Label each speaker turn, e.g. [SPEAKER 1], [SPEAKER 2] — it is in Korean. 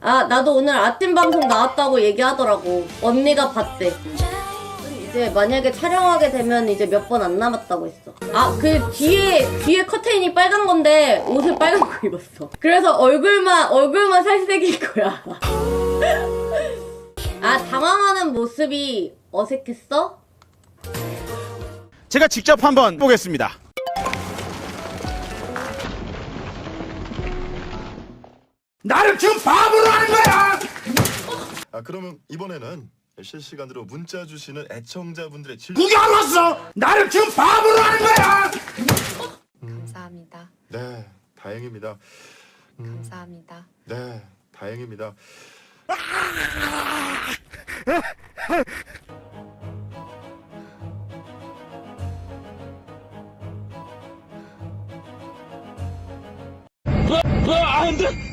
[SPEAKER 1] 아, 나도 오늘 아침 방송 나왔다고 얘기하더라고. 언니가 봤대. 이제 만약에 촬영하게 되면 이제 몇 번 안 남았다고 했어. 아, 그 뒤에 커튼이 빨간 건데 옷을 빨간 거 입었어. 그래서 얼굴만 살색일 거야. 아, 당황하는 모습이 어색했어?
[SPEAKER 2] 제가 직접 한번 보겠습니다. 나를 지금 바보로 하는 거야!
[SPEAKER 3] 아, 그러면 이번에는 실시간으로 문자 주시는 애청자분들의
[SPEAKER 2] 구경 왔어! 나를 지금 바보로 하는 거야!
[SPEAKER 4] 감사합니다.
[SPEAKER 3] 네, 다행입니다.
[SPEAKER 4] 감사합니다.
[SPEAKER 3] 네, 다행입니다.
[SPEAKER 2] 안 돼!